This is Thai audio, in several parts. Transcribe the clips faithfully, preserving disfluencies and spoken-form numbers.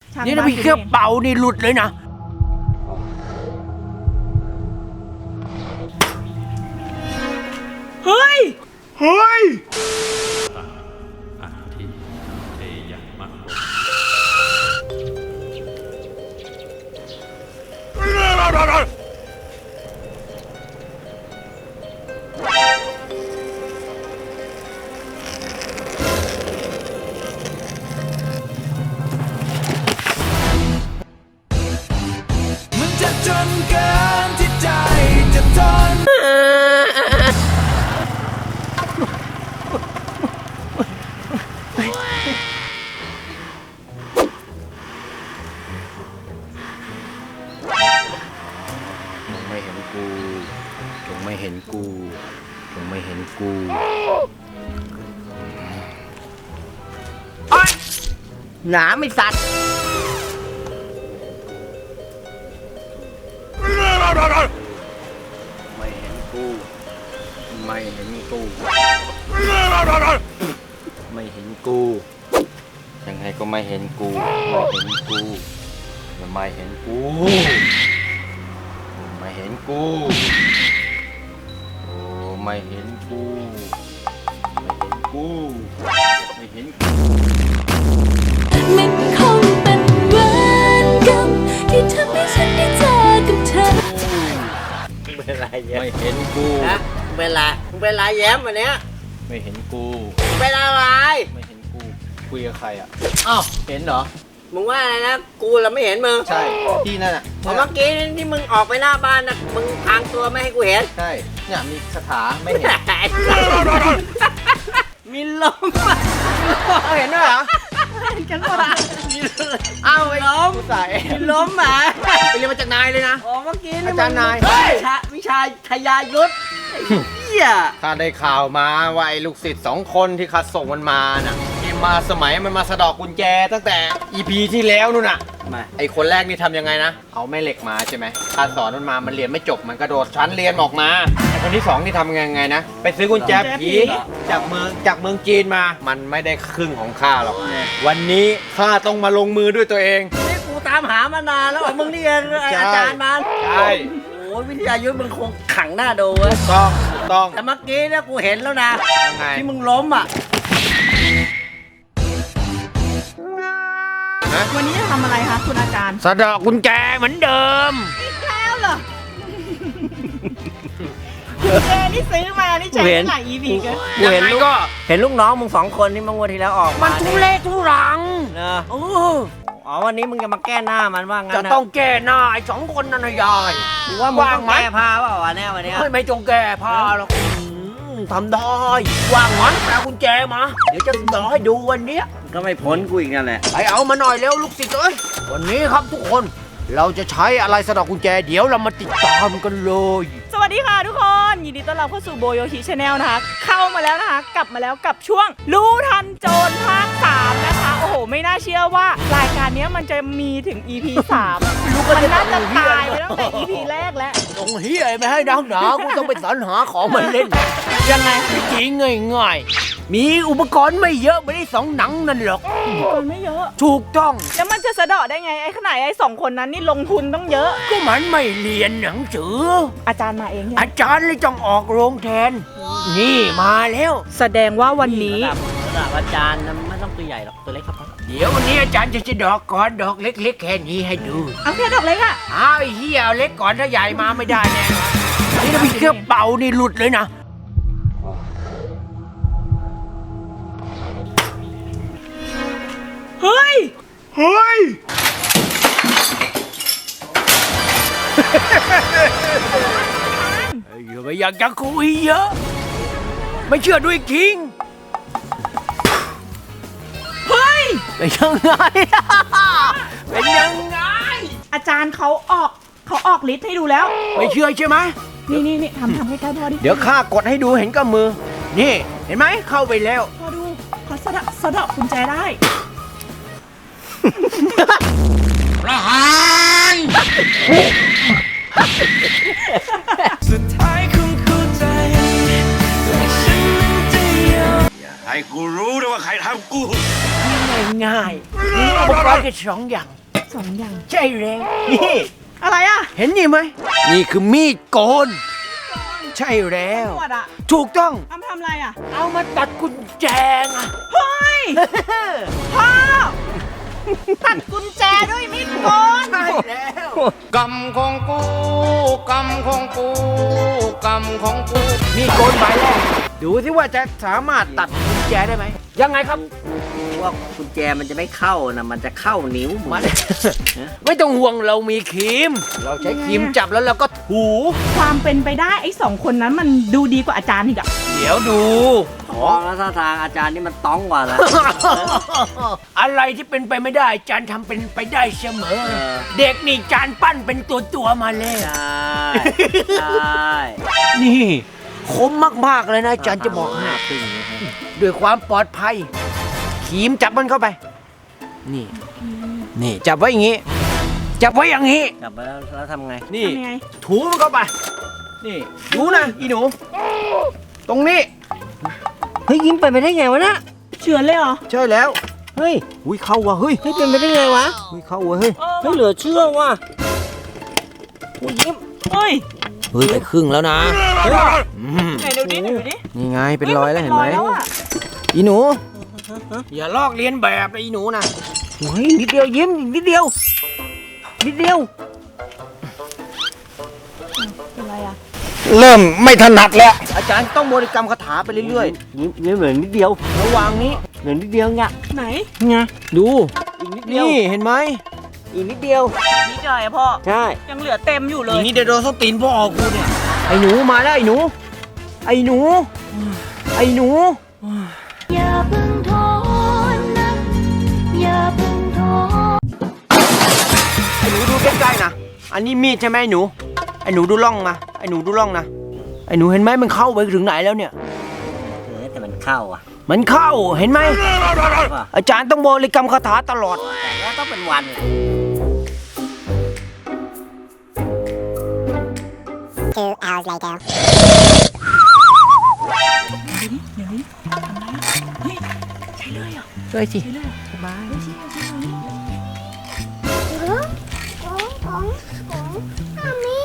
นี่ถ้าพี่แค่เป่านี่หลุดเลยนะเฮ้ยเฮ้ยอัตถิเทยมะโรมึงจะจนเกินที่ใจจะทนไม่เห็นกูจงไม่เห็นกูจงไม่เห็นกูหนาไม่สัตว์ไม่เห็นกูไม่เห็นกูไม่เห็นกูยังไงก็ไม่เห็นกูไม่เห็นกูไม่เห็นกูไม่เห็นกูโอ้ไม่เห็นกูไม่เห็นกูไม่เห็นกูมันคงเป็นเวรกรรมที่ทำให้ฉันได้เจอกับเธอเป็นไรแย้มไม่เห็นกูนะเป็นไรมึงเป็นไรแย้มวันเนี้ยไม่เห็นกูเป็นอะไรไม่เห็นกูคุยกับใครอ่ะอ้าวเห็นเหรอมึงว่าอะไรนะกูเราไม่เห็นมึงใช่ที่นั่นอ่ะเมื่อกี้ที่มึงออกไปหน้าบ้านนะมึงพางตัวไม่ให้กูเห็นใช่เนี่ยมีคาถาไม่เห็นมีลมเห็นด้วยเหรอเห็นกันหมดอ่ะอ้าวไอ้ล้มใส่ล้มอ่ะไปเรียนมาจากนายเลยนะอ๋อเมื่อกี้อาจารย์นายวิชาทยายุทธเหี้ยข้าได้ข่าวมาว่าไอ้ลูกศิษย์สองคนที่ข้าส่งมันมาน่ะที่มาสมัยมันมาสะดอกกุญแจตั้งแต่ อี พี ที่แล้วนู่นน่ะไอ้คนแรกนี่ทำยังไงนะเอาแม่เหล็กมาใช่ไหมข้าสอนมันมามันเรียนไม่จบมันกระโดดชั้นเรียนออกมาไอ้คนที่สองนี่ทำยังไงนะไปซื้อกุญแจผีจากเมืองจากเมืองจีนมามันไม่ได้ครึ่งของข้าหรอกวันนี้ข้าต้องมาลงมือด้วยตัวเองนี่กูตามหามานานแล้วมึงเรียนอาจารย์มาใช่โอ้ยวิทยายุทธมึงคงขังหน้าดูเว้ยต้องต้องแต่เมื่อกี้เนี่ยกูเห็นแล้วนะที่มึงล้มอ่ะวันนี้จะทำอะไรคะคุณอาจารย์สะดอกกุญแจเหมือนเดิมอีกแล้วเหรอกุญแจนี่ซื้อมานี่ใช้หลาย อี พี กันกูเห็นลูกเห็นลูกน้องมึงสองคนที่เมื่อวันที่แล้วออกมันทุเรศทุรังนะโอ้อ๋อวันนี้มึงจะมาแก้หน้ามันว่างั้นจะต้องแก้หน้าไอ้สองคนนั่นนะยายว่ามึงต้องแก้ผ้าเปล่าวะเนี่ยวันนี้ไม่ไม่จงแก้ผ้าหรอกทำได้ว่างงั้นแปลกุญแจมาเดี๋ยวจะสอนให้ดูวันนี้ก็ไม่พ้นกูอีกนั่นแหละไปเอามาหน่อยเร็วลูกศิษย์เอ้ยวันนี้ครับทุกคนเราจะใช้อะไรสะดอกกุญแจเดี๋ยวเรามาติดตามกันเลยสวัสดีค่ะทุกคนยินดีต้อนรับเข้าสู่โบโยชิชาแนลนะคะเข้ามาแล้วนะคะกลับมาแล้วกับช่วงรู้ทันโจรภาคสามนะคะโอ้โหไม่น่าเชื่อว่ารายการนี้มันจะมีถึง อี พี สามมันน่าจะตายไปตั้งแต่ อี พี แรกแล้วตรงเฮียไม่ให้ดังหนากูต้องไปสรรหาของมาเล่นยังไงจริงง่ายๆมีอุปกรณ์ไม่เยอะไม่ได้สองหนังนั่นหรอกอุปกรณ์ไม่เยอะถูกต้องแล้วมันจะสะเดาะได้ไงไอ้ขนาดไอ้สองคนนั้นนี่ลงทุนต้องเยอะก็มันไม่เรียนหนังสืออาจารย์มาเองอาจารย์เลยต้องออกโรงแทนนี่มาแล้วแสดงว่าวันนี้ระดับอาจารย์ไม่ต้องตัวใหญ่หรอกตัวเล็กครับเดี๋ยววันนี้อาจารย์จะจะดอกก่อนดอกเล็กๆแค่นี้ให้ดูเอาแค่ดอกเล็กอะอ้าวไอ้เหี้ยเอาเล็กก่อนถ้าใหญ่มาไม่ได้แน่นี่ถ้าพี่เครื่องเป่านี่หลุดเลยนะเฮ้ยเฮ้ยอย่าไปอยากจะคุยเยอะไม่เชื่อด้วยคิงเฮ้ยเป็นยังไงเป็นยังไงอาจารย์เขาออกเขาออกฤทธิ์ให้ดูแล้วไม่เชื่อใช่ไหมนี่นี่นี่ทำทำให้ใกล้พ่อดิเดี๋ยวข้ากดให้ดูเห็นกับมือนี่เห็นไหมเข้าไปแล้วพ่อดูเขาสะดอกสะดอกกุญแจได้ประหารสุดท้ายคงเข้าใจและฉันนั้นจะยอมอย่าให้กูรู้นะว่าใครทำกูง่ายง่ายมีอุปกรณ์แค่สองอย่างสองอย่างใช่แล้วนี่อะไรอ่ะเห็นนี่ไหมนี่คือมีดโกน ใช่แล้วขวดอ่ะถูกต้องเอามาทำอะไรอ่ะเอามาตัดกุญแจไงเฮ้ย พ่อ ตัดกุญแจด้วยมีดโกนใช่แล้วกรรมของกูกรรมของกูกรรมของกูมีดโกนใบแรกดูสิว่าจะสามารถตัดกุญแจได้ไหมยังไงครับว่ากุญแจมันจะไม่เข้านะมันจะเข้านิ้วมึงมัน ไม่ต้องห่วงเรามีครีม เราใช้ครีมจับแล้วเราก็ถูความเป็นไปได้ไอ้สองคนนั้นมันดูดีกว่าอาจารย์อีกอะเดี๋ยวดูมองแล้วท่าทางอาจารย์นี่มันต้องกว่าแล้วอะไรที่เป็นไปไม่ได้จานทำเป็นไปได้เสมอ เด็กนี่จานปั้นเป็นตัวตัวๆมาแล้วใช่ใช่นี่คมมากๆเลยนะจานจะบอกให้ด้วยความปลอดภัยครีมจับมันเข้าไป นี่ นี่จับไว้อย่างงี้ จับไว้อย่างงี้กลับมาแล้วแล้วทำไงนี่ทำยังไงถูมันเข้าไป นี่ดูนะอีหนู ตรงนี้เฮ้ยยิ้มไปไม่ได้ไงวะนะเฉือนเลยเหรอใช่แล้วเฮ้ยอุ้ยเข้าว่ะเฮ้ยเฮ้ยเป็นไปได้ไงวะอุ้ยเข้าว่ะเฮ้ยเฮ้ยเหลือเชื่อว่ะโอ้ยยิ้มเฮ้ยเฮ้ยไปครึ่งแล้วนะอืมไหนดูดิไหนดูดินี่ไงเป็นรอยแล้วเห็นไหมป็รอยแล้วอะอีหนูอย่าลอกเลียนแบบนะอีหนูนะเฮ้ยนิดเดียวยิ้มอีกนิดเดียวนิดเดียวเป็นไรอะเริ่มไม่ถนัดแล้ว อาจารย์ต้องบริกรรมคาถาไปเรื่อยยิ้มยิ้มเหลือนิดเดียวๆ ระหว่างนี้เหลือนิดเดียวไงไหนไงดูอีกนิดเดียวนี่เห็นไหมอีกนิดเดียวนี่ใจอะพ่อใช่ยังเหลือเต็มอยู่เลอย ย่างนี้เดี๋ยวโดนส้นตีนพ่อกูเนี่ยไอ้หนูมาแล้วไอ้หนู ไอ้หนู ไอ้หนูอย่าเพิ่งท้อนะ อย่าเพิ่งท้อไอ้หนูดูใกล้ๆนะ อันนี้มีดใช่ไหมไอ้หนู ไอ้หนูดูร่องนะ ไอ้หนูดูร่องนะ ไอ้หนูเห็นไหมมันเข้าไปถึงไหนแล้วเนี่ยเออแต่มันเข้าอ่ะมันเข้าเห็นไหมว่าอาจารย์ต้องบริกรรมคาถาตลอดแต่แล้วต้องเป็นวัน Two hours later. เดี๋ยวนี้ทำไรอะเฮ้ย ใช่เลยเหรอช่วยสิใช่เลยเหรอสบายเฮ้ยใช่เลยใช่เลย Gong, gong, gong. Mommy.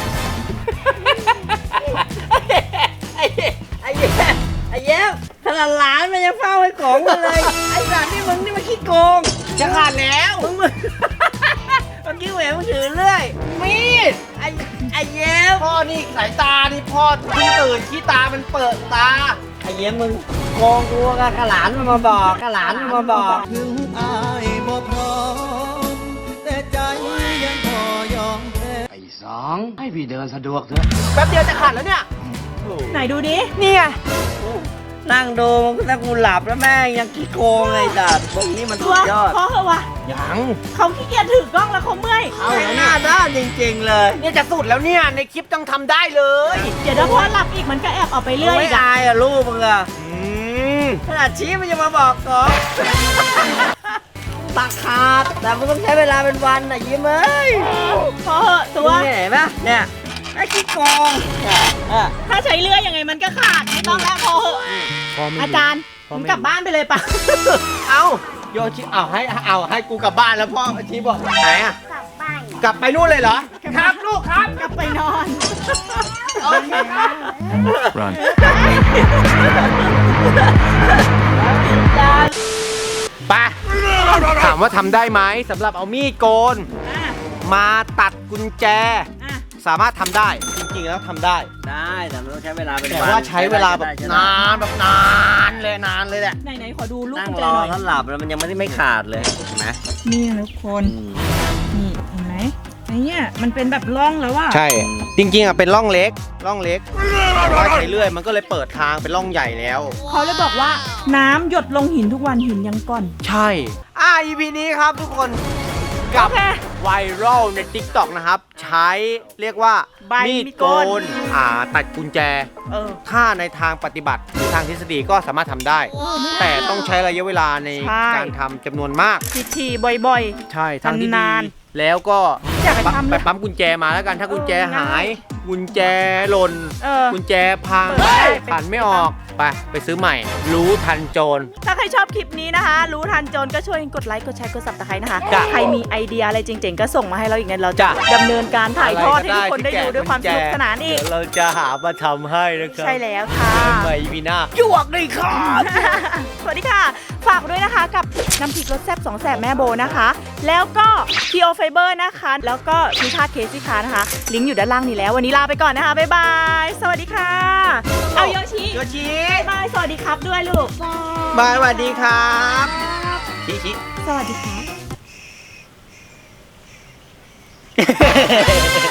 ไอ้ไอ้เย้ไอ้เย้ขนาดหลานมันยังเฝ้าไอ้ของมันเลย ไอ้หลานนี่มึงนี่มันขี้โกงจะขาดแล้วมึงมึงเมื่อกี้แหวนมึงถือเรื่อยมีดไอ้ไอ้เย้พ่อนี่สายตานี่พ่อเพิ่งตื่นขี้ตามันเปิดตาไอ้เย้มึงโกงกูกับขลานมันมาบอกขลานมันมาบอกถึงอายบ่พร้อม แต่ใจยังพอยอมแพ้ไอ้สองให้พี่เดินสะดวกเถอะแป๊บเดียวจะขาดแล้วเนี่ยไหนดูดินี่ไงนั่งดูมึงถ้ากูหลับแล้วแม่งยังขี้โกงเลยจัดพวกนี้มันสุตัวดยอดพ่อเหอะวะยังเขาขี้เกียจถือกล้องแล้วเขาเมื่อยเอาหน้าด้านจริงๆเลยเนี่ยจะสุดแล้วเนี่ย ในคลิปต้องทำได้เลยเดี๋ยวถ้าพ่อหลับอีกมันก็แอบออกไปเรื่อยไม่อีกอะอายอ่ะลูกมึงอ่ะอืมขนาดชี้มันยังมาบอกก่อน ตักขาดแต่มันต้องใช้เวลาเป็นวันน่ะยิ้มเอ้ยพ่อเหอะตัวเนี่ยเห็นปะเนี่ยไอ้ขี้โกงเนี่ยอ่ะถ้าใช้เลื่อยยังไงมันก็ขาดไม่ต้องแล้วพอเหอะอาจารย์ผมกลับบ้านไปเลยปะเอาโยชิเอาให้เอาให้กูกลับบ้านแล้วพ่อชีบอกไหนอะกลับบ้านกลับไปนู่นเลยเหรอ ครับลูกครับกลับไปนอนโอเคครับ Run. ไปถามว่าทำได้ไหมสำหรับเอามีดโกนอ่ะมาตัดกุญแจอ่ะสามารถทำได้ จริงๆแล้วทำได้ได้แต่มันต้องใช้เวลาเป็นแต่วันว่าใช้เวลาแบบนานแบบนานเลยนานเลยแหละไหนไหนๆขอดูลูกนั่งกุญแจรอหน่อยถ้าหลับแล้วมันยังไม่ได้ไม่ขาดเลยเห็นไหมนี่นะทุกคน นี่เห็นไหมไอ้เนี่ยมันเป็นแบบร่องแล้วว่าใช่ จริงๆอ่ะเป็นร่องเล็ก ร่องเล็กแต่ว่าใช้เลื่อยมันก็เลยเปิดทางเป็นร่องใหญ่แล้วเขาเลยบอกว่าน้ำหยดลงหินทุกวันหินยังก่อนใช่ อ่า อี พี นี้ครับทุกคนกับโอเคไวรัลใน ติ๊กต็อก นะครับ ใช้เรียกว่าใบมีดมีดโกโกนนอ่าตัดกุญแจเออถ้าในทางปฏิบัติหรือทางทฤษฎีก็สามารถทำได้ แต่ต้องใช้ระยะเวลาในใช่การทำจำนวนมากทีๆบ่อยใช่ทางที่ดีนานแล้วก็อยากไปปั๊มทำเลยไปปั๊มกุญแจมาแล้วกัน ถ้ากุญแจเออหาย กุญแจหล่นๆ เออกุญแจพังเปิดได้ขันไม่ออกไปไปซื้อใหม่ รู้ทันโจรถ้าใครชอบคลิปนี้นะคะ รู้ทันโจรก็ช่วยกดไลค์กดแชร์กดซับสไครต์นะคะจ้ะใครมีไอเดียอะไรเจ๋งๆก็ส่งมาให้เราอีกนะเราจะจ้ะดำเนินการถ่ายทอดให้ทุกคนได้ดูด้วยความสนุกสนานอีกเดี๋ยวเราจะหามาทำให้นะครับใช่แล้วค่ะไม่มีหน้าหยวกเลยครับสวัสดีค่ะ ฝากด้วยนะคะกับน้ำพริกรสแซ่บสองแสบแม่โบนะคะ แล้วก็ พี โอ Fiber นะคะ แล้วก็พิชาเคสิคานะคะ ลิงก์อยู่ด้านล่างนี้แล้ว วันนี้ลาไปก่อนนะคะ บ๊ายบาย สวัสดีค่ะ เอาโยชิโยชิบ๊ายบาย สวัสดีครับด้วยลูกบายสวัสดีครับชิชิสวัสดีครับ